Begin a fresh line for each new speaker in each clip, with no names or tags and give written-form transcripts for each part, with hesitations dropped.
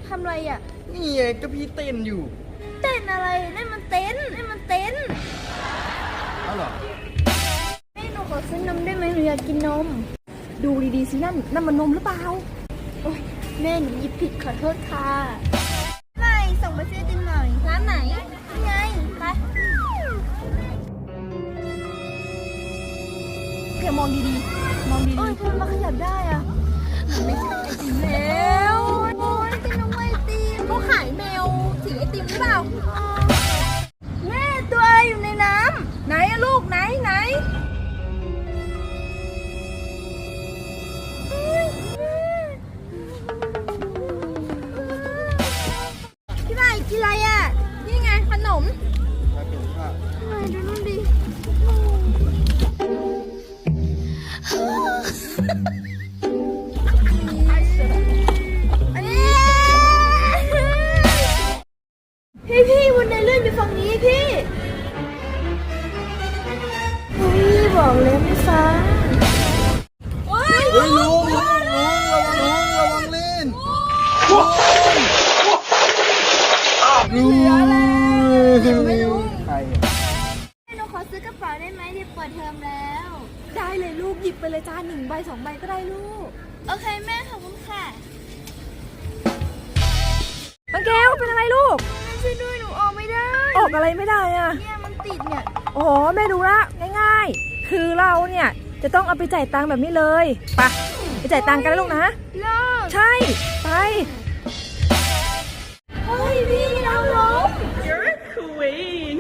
ทำอะไรอ่ะ
นี่ไงก็พี่เต้นอยู่
เต้นอะไรนั่นมันเต้น
อ้าวเหรอ
แม่หนูขอซื้อนมได้ไหมหนูอยากกินนม
ดูดีๆสินั่นมันนมหรือเปล่า
โอ๊ยแม่หนูหยิบผิดขอโทษค่ะไม่ส่งไปซื้อติมหน่อยร้านไหนนี่ไงไป
เพียมองดีๆ
โอ้ยทำไมมาขยับได้อ่ะไม่ใช่ไอติมแล้วโอ้ยกินนมไอติม
เขาขายแมวสีไอติมหรือเปล่า
แม่ตัวอะไรอยู่ในน้ำ
ไหนอะลูกไหน
พี่ใหม่กินอะไรอ่ะ
นี่ไงขนม
มาถึงค่ะ
พี่ใหม่ดูนู่นดิพี่วันนี้เลื่อนไปฝั่งนี้พี่บอกเลยไม่ฟัง
เฮ้ยลุงระวังเล่นลุง
ไม่รู้
ใคร
หนูขอซื้อกระเป๋าได้ไหมที่เปิดเทอมแล้ว
ได้เลยลูกหยิบไปเลยจ้า1 ใบ 2 ใบก็ได้ลูก
โอเคแม่ขอบคุณค่ะ
น้องแก้วเป็นอะไรลูก
แม่ช่วยด้วยหนูออกไม่ได้
ออกอะไรไม่ได้อะ
เนี่ยมันติดเนี่ย
โอ้โหแม่ดูละง่ายๆคือเราเนี่ยจะต้องเอาไปจ่ายตังค์แบบนี้เลยไปจ่ายตังค์กันนะลูกนะ
เลิก
ใช่ไป
เฮ้ยพี่เราล้ม
You're a queen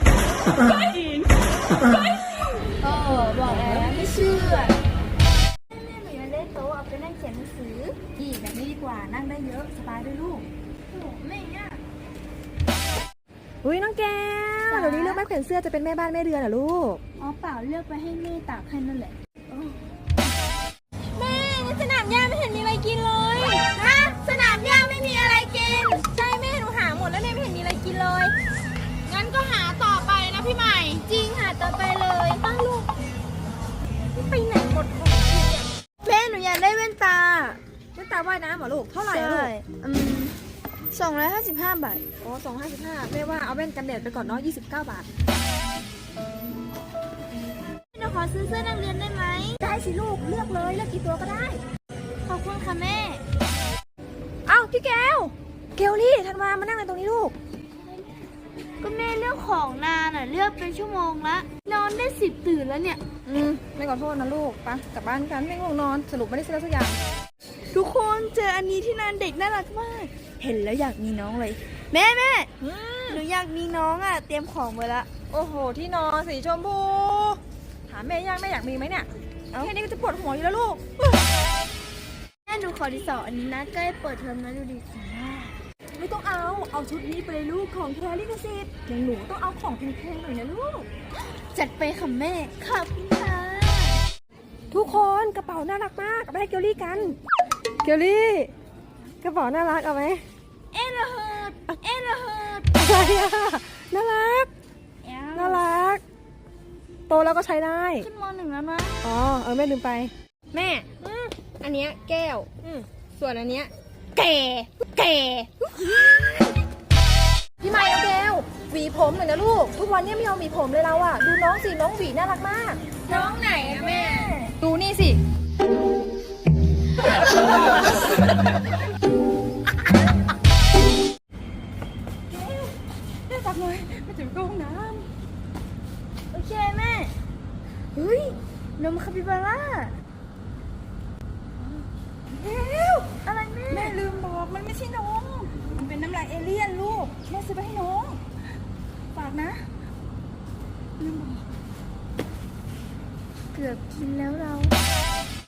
บอกแล้วไม่เชื่อแม่หนูยังได้โต๊ะเอาไปนั่งเขียนหนังสือ
นี่แบบนี้ดีกว่านั่งได้เยอะสบายด้วยลูก
โอ้แม่เนี่ย
อุ้ยน้องแก้วเดี๋ยวนี้เลือกแม่แขวนเสื้อจะเป็นแม่บ้านแม่เรือนเหรอลูก
อ๋อเปล่าเลือกไปให้แม่ตากให้นั่นแหละ
แม่สนามหญ้าไม่เห็นมีอะไรกินเลย
ฮะสนามหญ้าไม่มีอะไรกิน
ใช่แม่หนูหาหมดแล้วเนี่ยไม่เห็นมีอะไรกินเลยงั้นก็หาต่อไปนะพี่ใหม่
จริงหาต่อไปเลย
ตั้งลูกไปไหนหมดของ
แม่หนูอยากได้แว่นตา
ว่ายน้ำเหรอลูกเท่าไหร่ลูก
255 บาท
อ๋อ255แม่ว่าเอาแว่นกันแดดไปก่อนเนาะ29 บาท
หนูขอซื้อเสื้อนักเรียนได้ไหม
ได้สิลูกเลือกเลยเลือกกี่ตัวก็ได้
ขอบคุณค่ะแม่
เอ้าพี่แก้วนี่ธันวามานั่งในตรงนี้ลูก
ก็แม่เลือกของนานอ่ะเลือกเป็นชั่วโมงละนอนได้10ตื่นแล้วเนี่ย
ไม่ขอโทษนะลูกไปกลับบ้านกันไม่ง่วงนอนสรุปไม่ได้ซื้อสักอย่าง
ทุกคนเจออันนี้ที่นานเด็กน่ารักมากเห็นแล้วอยากมีน้องเลยแม่หนูอยากมีน้องอ่ะเตรียมของไว้ละ
โอ้โหที่นอนสีชมพูถามแม่ยังแม่อยากมีไหมเนี่ยแค่นี้ก็จะปวดหัวอยู่แล้วลูก
แม่หนูขอที่2อันนี้นะใกล้เปิดเทอมแล้วดูดิ
ไม่ต้องเอาชุดนี้ไปเลยลูกของแท้ลิขสิทธิ์อย่างหนูต้องเอาของแพงๆหน่อยนะลูก
จัดไปค่ะแม่ขอบคุณค่ะ
ทุกคนกระเป๋าน่ารักมากเอาไปให้เกลลี่กันเกลลี่กระเป๋าน่ารักเอาไหม
เอ็นระเฮิด
อะไรอะน่ารักโตแล้วก็ใช้ได้
ขึ้นม.1แล้วนะ
อ๋อแม่ลืมไปแม่อันเนี้ยแก้วส่วนอันเนี้ยแก่พี่ไมค์เอาแก้วหวีผมหน่อยนะลูกทุกวันนี้ไม่ยอมหวีผมเลยเราอะดูน้องสิน้องหวีน่ารักมาก
น้องไหนอะแม่
ดูนี่สิแม่จับหน่อยแม่จะไปเข้าห้องน้
ำโอเคแม่เฮ้ยนมคาปิบาร่าอะไร
แม่ลืมบอกมันไม่ใช่นมมันเป็นน้ำลายเอเลี่ยนลูกแม่ซื้อไปให้น้องฝากนะลืมบอก
เกือบกินแล้วเรา